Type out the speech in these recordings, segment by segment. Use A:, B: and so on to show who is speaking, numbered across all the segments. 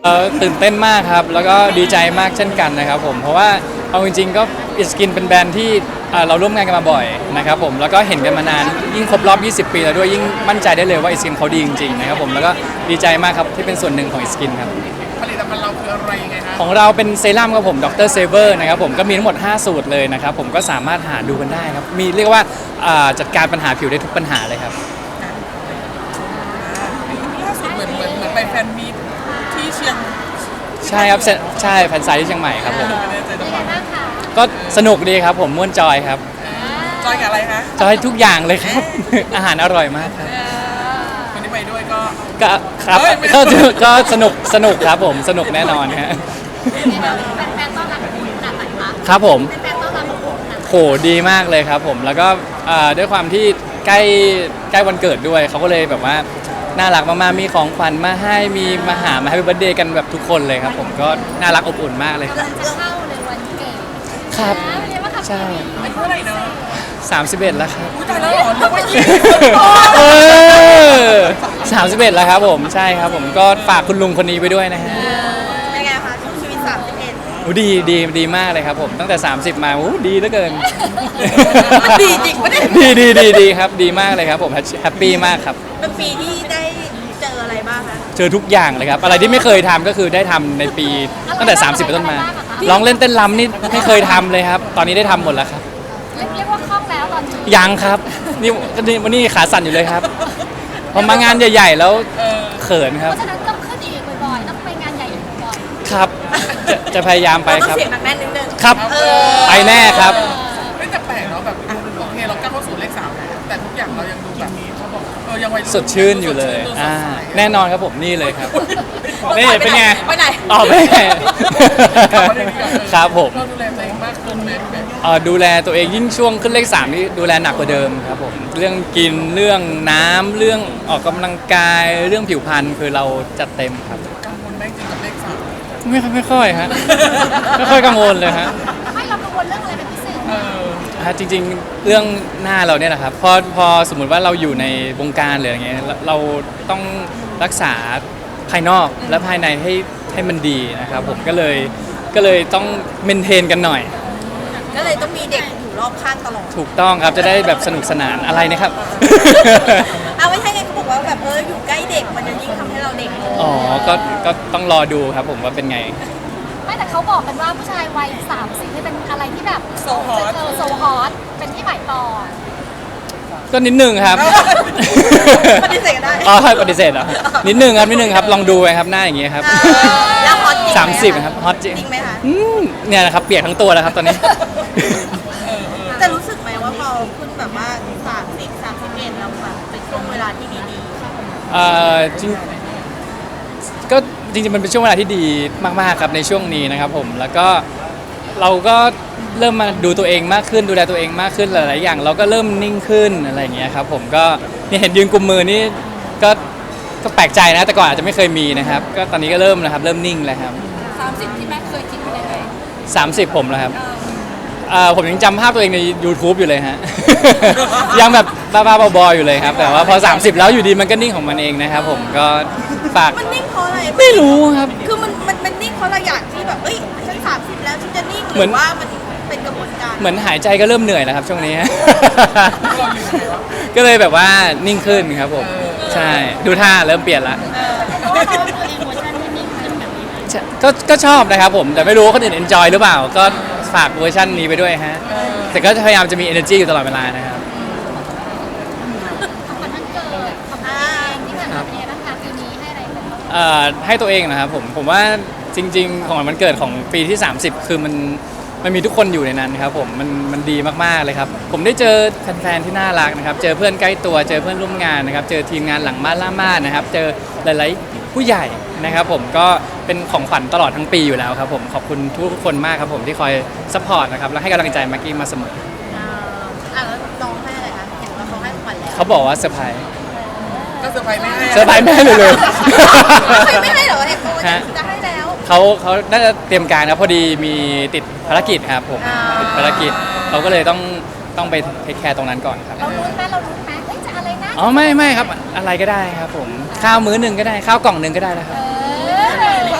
A: ตื่นเต้นมากครับแล้วก็ดีใจมากเช่นกันนะครับผมเพราะว่าเอาจริงๆก็อิสกินเป็นแบรนด์ที่เราร่วมงานกันมาบ่อยนะครับผมแล้วก็เห็นกันมานานยิ่งครบรอบ20 ปีแล้วด้วยยิ่งมั่นใจได้เลยว่าอิสกินเขาดีจริงๆนะครับผมแล้วก็ดีใจมากครับที่เป็นส่วนหนึ่งของอิสกินครับ
B: ผลิตภัณฑ์เราคืออะไรยังไงฮะ
A: ของเราเป็นเซรั่มครับผมดรเซเวอร์นะครับผมก็มีทั้งหมด5สูตรเลยนะครับผมก็สามารถหาดูกันได้ครับมีเรียกว่าจัดการปัญหาผิวได้ทุกปัญหาเลยครับ
B: ล่าสุดเหมือนไปแฟนมีตที่เชียง
A: ใช่ครับใช่แฟนไซต์ที่เชียงใหม่ครับผม
B: ไม่แน่ใจจังหวัด
A: ก็สนุกดีครับผมม่วนจอยครับ
B: จอยกับอะไรคะ
A: จอยทุกอย่างเลยครับ อาหารอร่อยมากครับ
B: คนที่ไปด้วยก็
A: ครับก็สนุกครับผมสนุกแน่นอนฮะ
C: แฟนต้อนรับขนาดไหนคะ
A: ครับผม
C: แฟนต้อนรับขนาดไหน
A: โหดีมากเลยครับผมแล้วก็ด้วยความที่ใกล้วันเกิดด้วยเขาก็เลยแบบว่าน่ารักมากๆมีของขวัญมาให้มีมาหามาให้เบิร์ธเดย์กันแบบทุกคนเลยครับผมก็น่ารักอบอุ่นมากเลยครับ
C: จะเข้าในวันเกิด
A: ครับใช่
B: อายุเท่าไหร่เนาะ
A: 31แล้วครับ
B: อุ้ยตายแล้วเหรอหรือว่า
A: 31แล้วครับผมใช่ครับผมก็ฝากคุณลุงคนนี้ไปด้วยนะฮะ
C: เป็นไงคะช่วงชีวิต31
A: ดีมากเลยครับผมตั้งแต่30มาดีเหลือเกิน
C: ดีจริงปะเนี่ย
A: ดีครับดีมากเลยครับผมแฮปปี้มากครับ
C: เป็นปีที่ได้เจออะไรบ้างคะ
A: เจอทุกอย่างเลยครับอะไรที่ไม่เคยทำก็คือได้ทำในปีตั้งแต่30เป็นต้นมาร้องเล่นเต้นรำนี่ไม่เคยทำเลยครับตอนนี้ได้ทำหมดแล้วครับ
C: เรียกว่าคล่องแล้วตอนนี้
A: ยังครับนี่วันนี้ขาสั่นอยู่เลยครับพอมางานใหญ่ๆแล้วเขินครับ
C: เพราะฉะนั้นต้องขึ้นอีกบ่อยๆต้องไปงานใหญ่อีกบ่อย
A: ครับจะพยายามไปครับ
C: ต้องเสียงหนักแน่นนิดนึง
A: ครับไปแน่ครับ
B: ไม่แต่แปลกเนาะแบบโอเคเราก้าวเข้าสู่เลข3แล้วแต่ทุกอย่างเรายังดูแบบนี้เขาบอกยังวัยรุ่น
A: สดชื่นอยู่เลยแน่นอนครับผมนี่เลยครับนี่เป็นไง
C: ไปไหน
A: ต่อไปครับผม
B: เราดูแลตัวเองมากขึ้นไหม
A: ดูแลตัวเองยิ่งช่วงขึ้นเลข3นี่ดูแลหนักกว่าเดิมครับผมเรื่องกินเรื่องน้ำเรื่องออกกำลังกายเรื่องผิวพรรณคือเราจัดเต็มครับ
B: กังวลไหมจริงกับเลข3
A: ไม่ค่อยฮะไม่ค่อยกังวลเลยฮะ
C: ไม่เรากังวลเรื่องอะไรเป็นพิเศษ
A: จริงๆเรื่องหน้าเราเนี่ยนะครับพอสมมุติว่าเราอยู่ในวงการหรืออย่างเงี้ยเราต้องรักษาภายนอกและภายในให้มันดีนะครับผมก็เลยต้องเมนเทนกันหน่อย
C: ก็เลยต้องมีเด็กอยู่รอบข้างตลอด
A: ถูกต้องครับจะได้แบบสนุกสนานอะไรนะครับ
C: เอาไม่ใช่ไงเขาบอกว่าแบบอยู่ใกล้เด็กมันจะยิ่งทำให้เราเด็ก
A: อ๋อก็ต้องรอดูครับผมว่าเป็นไง
C: ไม่แต่เขาบอกกันว่าผู้ชายวัย30นี่เป็นอะไรที่แบบโซฮอตเป็นที่หมายปอง
A: ก็นิดนึงครับ
C: ปฏิเสธได้
A: ปฏิเสธเหรอนิดนึงครับลองดูไปครับหน้าอย่างเงี้ยครับ
C: แล้วฮอตจริง
A: 30ครับฮอตจริง
C: ไหมคะ
A: เนี่ยนะครับเปียกทั้งตัวแล้วครับตอนนี้
C: จะรู้สึกไหมว่าพอคุณแบบว่า31แล้วแบบเป็นช่วงเวลาที่ดี
A: จริงก็จริงๆมันเป็นช่วงเวลาที่ดีมากๆครับในช่วงนี้นะครับผมแล้วก็เราก็เริ่มมาดูตัวเองมากขึ้นดูแลตัวเองมากขึ้นหลายๆอย่างเราก็เริ่มนิ่งขึ้นอะไรอย่างเงี้ยครับผมก็นี่เห็นยืนกุมมือนี่ก็แปลกใจนะแต่ก่อนอาจจะไม่เคยมีนะครับก็ตอนนี้ก็เริ่มนะครับเริ่มนิ่งแล้วครับ
C: 30ที่แม่เคยคิดไว้เลย
A: 30ผมแล้วครับผมยังจำภาพตัวเองใน YouTube อยู่เลยฮะ ยังแบบบ้าๆบอๆอยู่เลยครับแต่ว่าพอ30แล้วอยู่ดีมันก็นิ่งของมันเองนะครับผมก็ฝาก
C: มันนิ่งเพราะอะไร
A: ไม่รู้ครับ
C: คือมันนิ่งเพราะเราอยากที่แบบฉัน30แล้วฉันจะนิ่งหรือว่ามันเป็นกระบวนการ
A: เหมือนหายใจก็เริ่มเหนื่อยแล้วครับช่วงนี้ ก็เลยแบบว่านิ่งขึ้นครับผมใช่ดูท่าเริ่มเปลี่ยนละก็ชอบนะครับผมแต่ไม่รู้ว่าคนอื่น enjoy หรือเปล่าก็ฝากเวอร์ชันนี้ไปด้วยฮะแต่ก็พยายามจะมี energy อยู่ตลอดเวลานะครับให้ตัวเองนะครับผมว่าจริงๆของวันเกิดของปีที่30คือมันมีทุกคนอยู่ในนั้นครับผมมันดีมากๆเลยครับผมได้เจอแฟนๆที่น่ารักนะครับเจอเพื่อนใกล้ตัวเจอเพื่อนร่วมงานนะครับเจอทีมงานหลังม่านล่าม่านนะครับเจอหลายๆผู้ใหญ่นะครับผมก็เป็นของขวัญตลอดทั้งปีอยู่แล้วครับผมขอบคุณทุกคนมากครับผมที่คอยซัพพอร์ตนะครับและให้กำลังใจมากกี้มาเสมอ
C: แล้วน้องให้อะไรคะเห็นว่าเขาให้ขวัญแล้ว
A: เขาบอกว่าเซอร์ไพรส์
B: ก็เซอร์ไพรส์ไม่ให้
A: เซอร์ไพรส์ไม่ให้เลย
C: ไม่ให้เหรอเห็นว่าจะให้แล้ว
A: เขาน่าจะเตรียมการนะพอดีมีติดภารกิจครับผมติดภารกิจเราก็เลยต้องไปเทคแคร์ตรงนั้นก่อนครับ
C: เรารู้ไหมจะอะไรนะ
A: อ๋อไม่ครับอะไรก็ได้ครับผมข้าวมื้อหนึ่งก็ได้ข้าวกล่องหนึ่งก็ได้นะครับ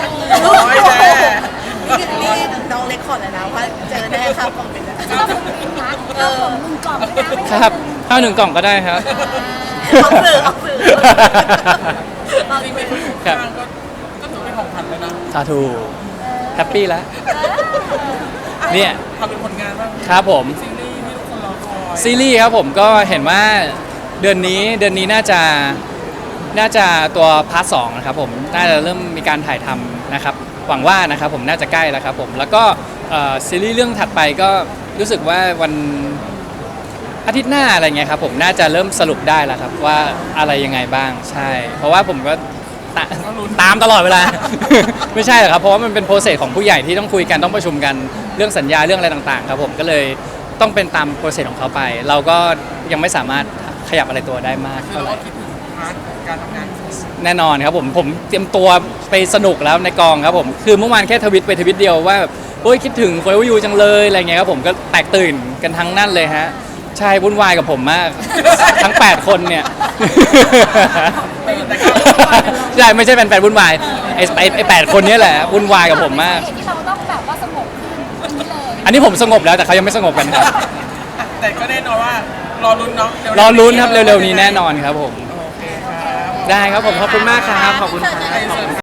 B: ร้อยแน่
C: นี่น้องเล็กขอเลยนะว่าเจอแน่ครับคอมเมนต์นะ
D: ก็ผมเป็นนะก็ผมลุงกล่องด้วยนะไม่
A: ค
D: ใช่
A: รับข้าวหนึ่งกล่องก็ได้ครับ
C: เอาสื่อเอาสื่อเอา
B: จริง
C: สื่
B: ๆ
C: อ
B: เป็นคนข้างๆก็ถือเป็นของขวัญแล้วนะ
A: สาธุแฮปปี้แล้ว เนี่ย
B: ทำเป็นผลงานบ้าง
A: ครับผม
B: ซีรีส์ที่ทุกคนรอคอย
A: ซีรีส์ครับผมก็เห็นว่าเดือนนี้น่าจะตัวพาร์ทสองนะครับผมน่าจะเริ่มมีการถ่ายทำนะครับหวังว่านะครับผมน่าจะใกล้แล้วครับผมแล้วก็ซีรีส์เรื่องถัดไปก็รู้สึกว่าวันอาทิตย์หน้าอะไรเงี้ยครับผมน่าจะเริ่มสรุปได้แล้วครับว่าอะไรยังไงบ้างใช่ เพราะว่าผมก็ตามตลอดเวลา ไม่ใช่หรอกครับเพราะว่ามันเป็นโปรเซสของผู้ใหญ่ที่ต้องคุยกันต้องประชุมกันเรื่องสัญญาเรื่องอะไรต่างๆครับผมก็เลยต้องเป็นตามโปรเซสของเขาไป เราก็ยังไม่สามารถขยับอะไรตัวได้มาก
B: คือ
A: เท่า
B: เรา
A: ไหร่
B: ก็คิดถึงพาร์ทการทำงาน
A: แน่นอนครับผมเตรียมตัวไปสนุกแล้วในกองครับผมคือเมื่อวานแค่ทวิตไปทวิตเดียวว่าแบบโอ้ยคิดถึงคนวิวจังเลยอะไรเงี้ยครับผมก็แตกตื่นกันทั้งนั่นเลยฮะใช่วุ่นวายกับผมมาก ทั้ง 8 คนเนี่ย
B: แต่ก็
A: ใช่ไม่ใช่แฟนๆวุ่นวายไอ้8 คนเนี้แหละวุ่นวายกับผมมาก
D: ที่เราต้องแบบว่าสงบขึ้นนี้เลย
A: อันนี้ผมสงบแล้วแต่เขายังไม่สงบกันครับ
B: แต่ก็แน่นอนว่ารอลุ้นเนาะเวๆ
A: รอลุ้นครับเร็วๆนี้แน่นอนครับผม
B: โอเคครับ
A: ได้ครับผมขอบคุณมากครับขอบคุณครับ
B: ให้เชิญ